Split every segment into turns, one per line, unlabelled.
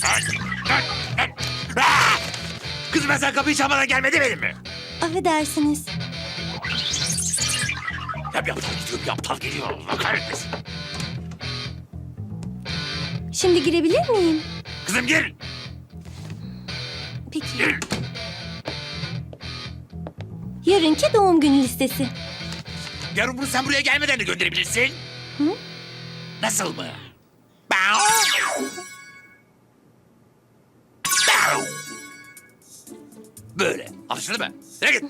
Kızım ben sen kapıyı çalmadan gelme demedim mi?
Affedersiniz.
Ya bir aptal gidiyor, bir aptal geliyor. Allah kahretmesin.
Şimdi girebilir miyim?
Kızım gir.
Peki.
Gir.
Yarınki doğum günü listesi.
Yarın bunu sen buraya gelmeden de gönderebilirsin.
Hı?
Nasıl mı? Bow. Bow. Böyle. Anlaşıldı mı? Nereye git?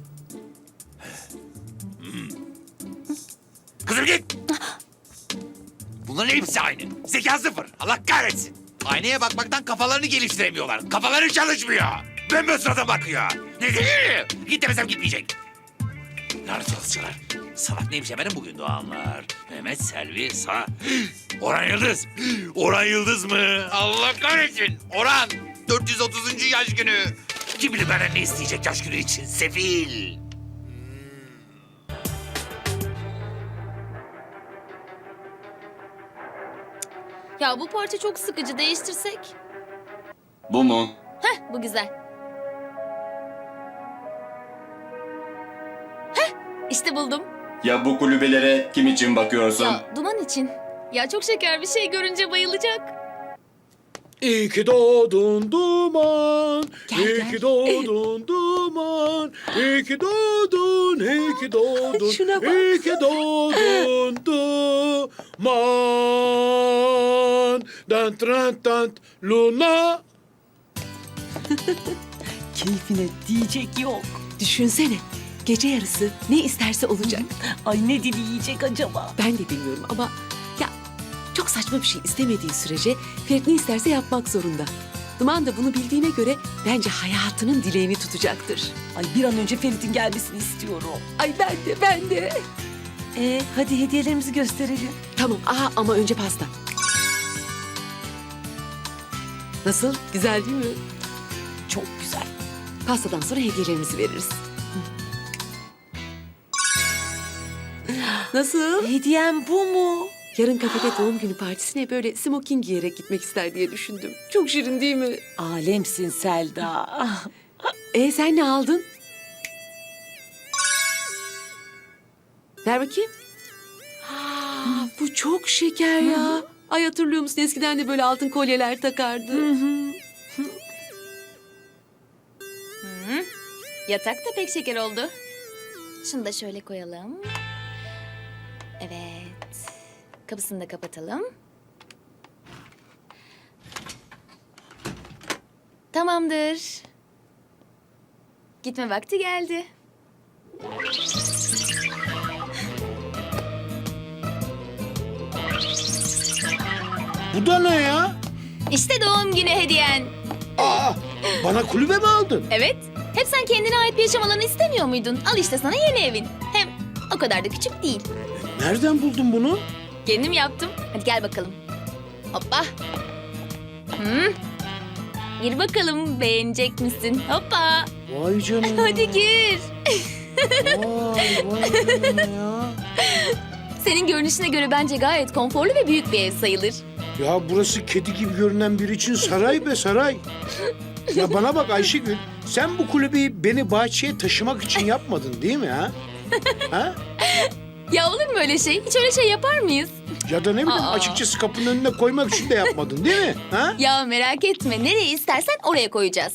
Kızım git. Bunların hepsi aynı. Zeka sıfır. Allah kahretsin. Aynaya bakmaktan kafalarını geliştiremiyorlar. Kafaları çalışmıyor. Ben sırada bakıyor. Ne diyeyim? Git demesem gitmeyecek. Lanet olasılar. Salak neymiş efendim bugün doğanlar? Mehmet, Selvi, Orhan Yıldız. Orhan Yıldız mı? Allah kahretsin. Orhan 430. yaş günü. Kim bilir benden ne isteyecek yaş günü için? Sefil.
Ya bu parça çok sıkıcı, değiştirsek.
Bu mu?
Heh, bu güzel. Heh, işte buldum.
Ya bu kulübelere kim için bakıyorsun?
Ya Duman için. Ya çok şeker bir şey görünce bayılacak.
İyi ki doğdun Duman, iyi
gel.
ki doğdun Duman, iyi ki doğdun, iyi ki doğdun,
Şuna bak.
iyi ki doğdun Duman. Dan tran tan Luna.
Keyfine diyecek yok. Düşünsene. Gece yarısı ne isterse olacak. Ay ne dileyecek acaba? Ben de bilmiyorum ama ya çok saçma bir şey istemediği sürece Ferit ne isterse yapmak zorunda. Duman da bunu bildiğine göre bence hayatının dileğini tutacaktır. Ay bir an önce Ferit'in gelmesini istiyorum. Ay ben de. Hadi hediyelerimizi gösterelim. Tamam ama önce pasta. Nasıl? Güzel değil mi? Çok güzel. Pastadan sonra hediyelerimizi veririz. Nasıl? Hediyem bu mu? Yarın kafede doğum günü partisine böyle smoking giyerek gitmek ister diye düşündüm. Çok şirin değil mi?
Alemsin Selda.
Sen ne aldın? Ver bakayım. Bu çok şeker ya. Ay hatırlıyor musun? Eskiden de böyle altın kolyeler takardı.
Yatak da pek şeker oldu. Şunu da şöyle koyalım. Evet. Kapısını da kapatalım. Tamamdır. Gitme vakti geldi.
Bu da ne ya?
İşte doğum günü hediyen.
Aa, bana kulübe mi aldın?
Evet. Hep sen kendine ait bir yaşam alanı istemiyor muydun? Al işte sana yeni evin. Hem o kadar da küçük değil.
Nereden buldun bunu?
Kendim yaptım. Hadi gel bakalım. Hoppa. Gir bakalım, beğenecek misin? Hoppa.
Vay canına.
Hadi gir.
Vay canına ya.
Senin görünüşüne göre bence gayet konforlu ve büyük bir ev sayılır.
Ya burası kedi gibi görünen biri için saray be saray. Ya bana bak Ayşegül, sen bu kulübeyi beni bahçeye taşımak için yapmadın değil mi ha? Ha?
Ya olur mu öyle şey? Hiç öyle şey yapar mıyız?
Ya da ne bileyim
Aa.
açıkçası kapının önüne koymak için de yapmadın değil mi? Ha?
Ya merak etme. Nereye istersen oraya koyacağız.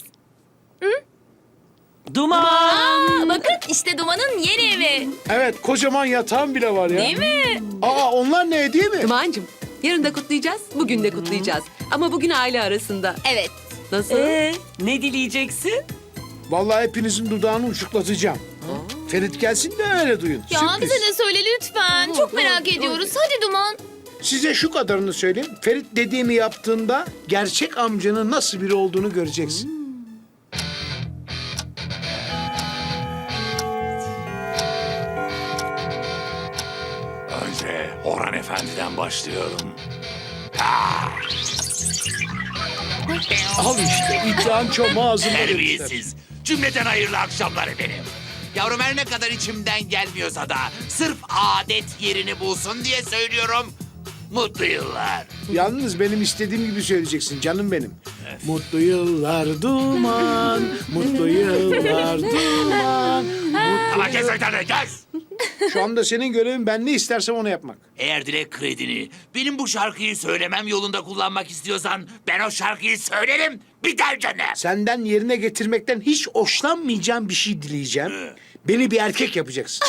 Duman!
Aa, bakın işte Duman'ın yeni evi.
Evet, kocaman yatağın bile var ya.
Değil mi?
Onlar ne değil mi?
Duman'cığım yarın da kutlayacağız, bugün de kutlayacağız. Ama bugün aile arasında.
Evet.
Nasıl?
Ne dileyeceksin?
Vallahi hepinizin dudağını uçuklatacağım. Ferit gelsin de öyle duyun.
Ya
Sürpriz.
bize de söyle lütfen. Çok merak ediyoruz. Hadi Duman.
Size şu kadarını söyleyeyim. Ferit dediğimi yaptığında gerçek amcanın nasıl biri olduğunu göreceksin.
Önce Orhan Efendi'den başlıyorum.
Al işte iddian çomağı ağzında.
Terbiyesiz. Cümleten hayırlı akşamlar efendim. Yavrum her ne kadar içimden gelmiyorsa da sırf adet yerini bulsun diye söylüyorum. Mutlu yıllar.
Yalnız benim istediğim gibi söyleyeceksin canım benim. Mutlu yıllar Duman, mutlu yıllar Duman.
Ama kes oytanı kes.
Şu anda senin görevin ben ne istersem onu yapmak.
Eğer dilek kredini benim bu şarkıyı söylemem yolunda kullanmak istiyorsan ben o şarkıyı söylerim biter canım.
Senden yerine getirmekten hiç hoşlanmayacağım bir şey dileyeceğim. Beni bir erkek yapacaksın.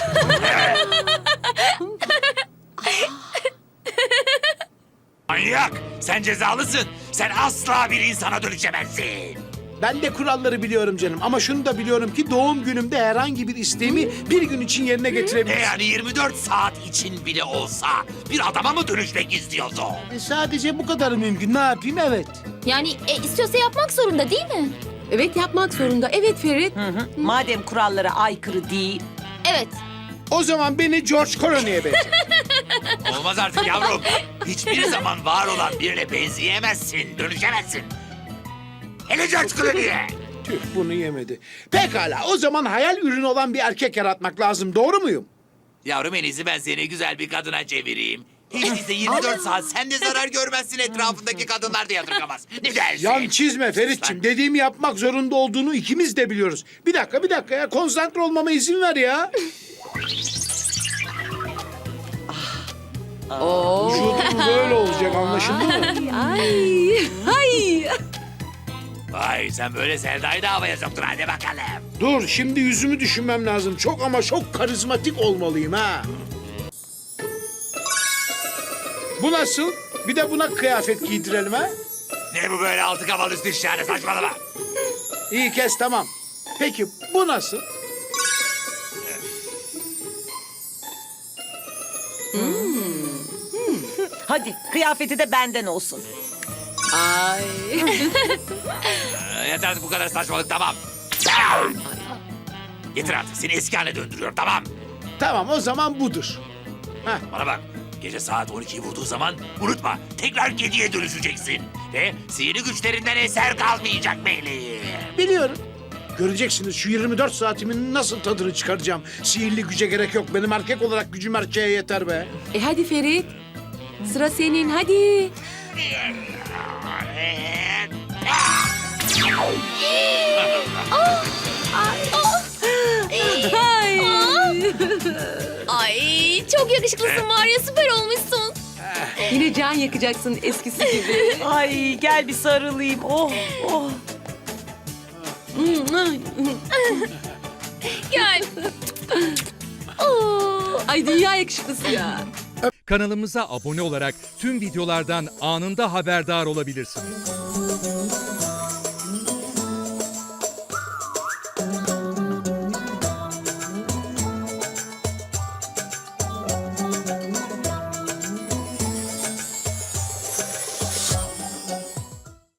Manyak! Sen cezalısın. Sen asla bir insana dönüşemezsin.
Ben de kuralları biliyorum canım ama şunu da biliyorum ki doğum günümde herhangi bir isteğimi bir gün için yerine
Ne
getirebilirim.
yani 24 saat için bile olsa bir adama mı dönüşmek istiyorsun?
Sadece bu kadar mümkün. Ne yapayım? Evet.
Yani istiyorsa yapmak zorunda değil mi?
Evet yapmak zorunda. Evet Ferit.
Madem kurallara aykırı değil.
Evet.
O zaman beni George Clooney'e benzer.
Olmaz artık yavrum. Hiçbir zaman var olan birine benzeyemezsin, dönüşemezsin. Hele George Clooney'e.
Tüh bunu yemedi. Pekala o zaman hayal ürünü olan bir erkek yaratmak lazım. Doğru muyum?
Yavrum en iyisi ben seni güzel bir kadına çevireyim. Hiç değilse 24 saat sen de zarar görmezsin, etrafındaki kadınlar da yadırgamaz. Ne dersin?
Yan çizme Feritçim. Dediğimi yapmak zorunda olduğunu ikimiz de biliyoruz. Bir dakika ya. Konsantre olmama izin ver ya. Vücudum böyle olacak anlaşıldı mı?
Ay. Ay.
Vay sen böyle Selda'yı da havaya soktun hadi bakalım.
Dur şimdi yüzümü düşünmem lazım. Çok ama çok karizmatik olmalıyım ha. Bu nasıl? Bir de buna kıyafet giydirelim ha.
Ne bu böyle altı kafalı üstü şahane saçmalama.
İyi kes tamam. Peki bu nasıl?
Hadi kıyafeti de benden olsun.
Ay.
Yeter artık bu kadar saçmalık tamam. Yeter artık seni eski haline döndürüyor tamam.
Tamam o zaman budur.
Bana bak gece saat 12'yi vurduğu zaman unutma tekrar kediye dönüşeceksin. Ve sihirli güçlerinden eser kalmayacak meleğim.
Biliyorum. Göreceksiniz şu 24 saatimin nasıl tadını çıkaracağım. Sihirli güce gerek yok. Benim erkek olarak gücüm erkeğe yeter be.
Hadi Ferit. Sıra senin hadi. Ay.
Ay çok yakışıklısın var ya süper olmuşsun.
Yine can yakacaksın eskisi gibi.
Ay gel bir sarılayım. Oh oh.
Gel. Oo.
Ay dünya yakışıklısı ya.
Kanalımıza abone olarak tüm videolardan anında haberdar olabilirsiniz.